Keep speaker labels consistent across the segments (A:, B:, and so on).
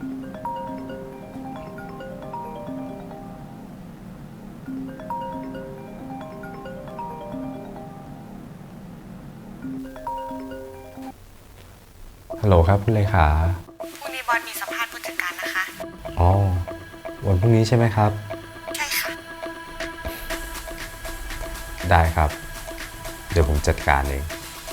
A: ฮัลโหลครับคุณเลขา
B: พรุ่งนี้บอสมีสัมภาษณ์ผู้จัดการนะคะ
A: อ๋อวันพรุ่งนี้ใช่ไหมครับ
B: ใช่ค่ะ
A: ได้ครับเดี๋ยวผมจัดการเอง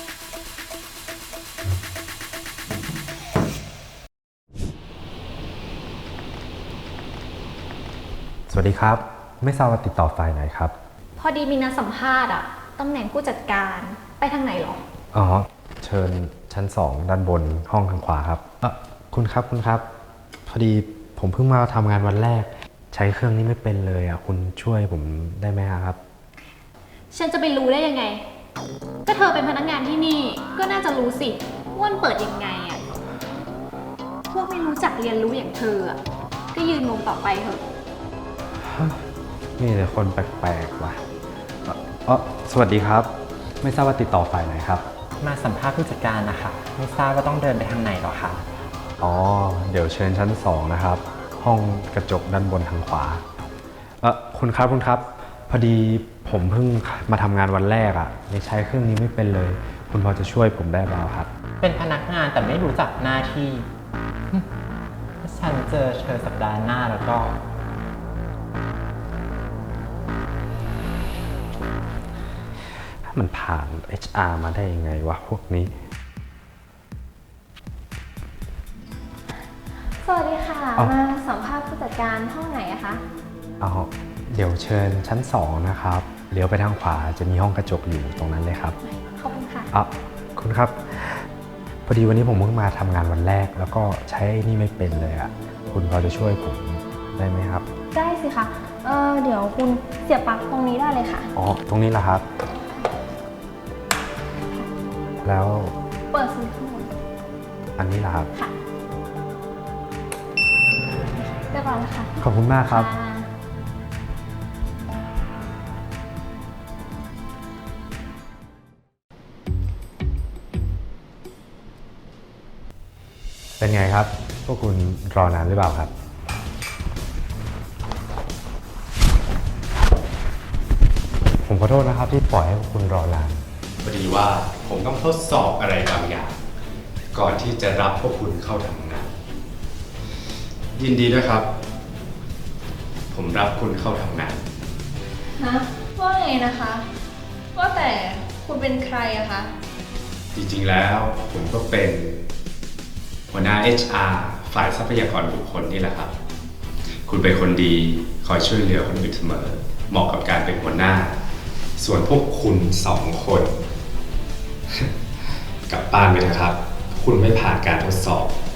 A: สวัสดีครับไม่ทราบว่าติดต่อฝ่ายไหนครับ
C: พอดีมีนัดสัมภาษณ์อะตำแหน่งผู้จัดการไปทางไหนหรอ
A: อ๋อเชิญชั้น2ด้านบนห้องทางขวาครับคุณครับพอดีผมเพิ่งมาทำงานวันแรกใช้เครื่องนี้ไม่เป็นเลยอ่ะคุณช่วยผมได้ไหมครับ
C: ฉันจะไปรู้ได้ยังไงก็เธอเป็นพนักงานที่นี่ก็น่าจะรู้สิว่ามันเปิดยังไงอะพวกไม่รู้จักเรียนรู้อย่างเธออะก็ยืนงงต่อไปเถอะ
A: มีแต่คนแปลกๆว่ะสวัสดีครับไม่ทราบว่าติดต่อฝ่ายไหนครับ
D: มาสัมภาษณ์ผู้จัดการนะคะไม่ทราบว่าต้องเดินไปทางไหนหรอคะ
A: อ๋อเดี๋ยวเชิญชั้น2นะครับห้องกระจกด้านบนทางขวาคุณครับพอดีผมเพิ่งมาทำงานวันแรกอ่ะไม่ใช้เครื่องนี้ไม่เป็นเลยคุณพอจะช่วยผมได้เปล่าครับ
D: เป็นพนักงานแต่ไม่รู้จักหน้าที่ถ้าฉันเจอเธอสัปดาห์หน้าแล้วก็
A: มันผ่าน HR มาได้ยังไงวะพวกนี้
C: สวัสดีค่ะมาสัมภาษณ์ผู้จัดการห้องไหนอะคะ
A: เดี๋ยวเชิญชั้น2นะครับเลี้ยวไปทางขวาจะมีห้องกระจกอยู่ตรงนั้นเลยครับ
C: ขอบคุณค่ะ
A: คุณครับพอดีวันนี้ผมเพิ่งมาทำงานวันแรกแล้วก็ใช้นี่ไม่เป็นเลยอ่ะคุณพอจะช่วยผมได้ไหมครับ
C: ได้สิคะเดี๋ยวคุณเสียบปลั๊กตรงนี้ได้เลยค่ะ
A: ตรงนี้เหรอครับแล้ว
C: เปิดสวิตช์ข้างบน
A: อันนี้เหรอครับ
C: ค่ะเรียบร้อยแล้วค่ะ
A: ขอบคุณมากครับเป็นไงครับพวกคุณรอนานหรือเปล่าครับผมขอโทษนะครับที่ปล่อยให้พวกคุณรอนาน
E: พอดีว่าผมต้องทดสอบอะไรบางอย่างก่อนที่จะรับพวกคุณเข้าทำงานยินดีด้วยครับผมรับคุณเข้าทำงาน
F: ฮะว่าไงนะคะว่าแต่คุณเป็นใครอะคะ
E: จริงๆแล้วผมก็เป็นหัวหน้า HR ฝ่ายทรัพยากรบุคคลนี่แหละครับคุณเป็นคนดีคอยช่วยเหลือคนอื่นเสมอเหมาะกับการเป็นหัวหน้าส่วนพวกคุณ2 คนกลับบ้านไปนะครับคุณไม่ผ่านการทดสอบ